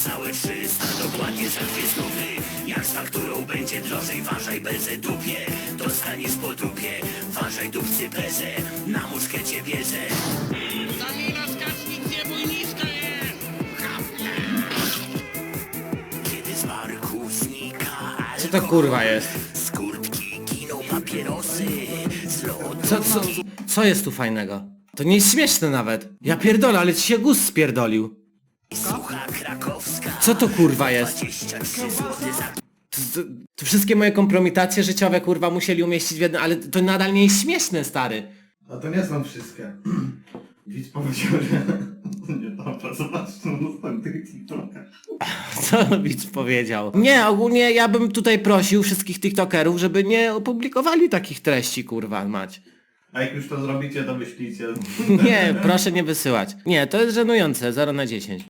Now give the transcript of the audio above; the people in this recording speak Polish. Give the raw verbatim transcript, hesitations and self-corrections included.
Całe trzysta, dokładnie za dwie stówy. Jak z fakturą będzie drożej, ważaj belze dupie. Dostaniesz po dupie, ważaj dupcy bezę. Na muszkę cię bierze. Danilo, skacz, nic nie bój, niska jest! Kiedy z barku znika Co to kurwa jest? z kurtki giną papierosy. Z lodu Co, co, co jest tu fajnego? To nie jest śmieszne nawet. Ja pierdolę, ale ci się gust spierdolił. sucha krakowska. Co to kurwa jest? dwadzieścia trzy złote za To, to, to wszystkie moje kompromitacje życiowe kurwa musieli umieścić w jednym, ale to nadal nie jest śmieszne, stary. A to nie są wszystkie. Widz powiedział, że nie dobra, zobacz na następnych TikTokach. Co widz powiedział? Nie, ogólnie ja bym tutaj prosił wszystkich tiktokerów, żeby nie opublikowali takich treści, kurwa, mać. A jak już to zrobicie, to wyślijcie. Nie, proszę nie wysyłać. Nie, to jest żenujące, zero na dziesięć.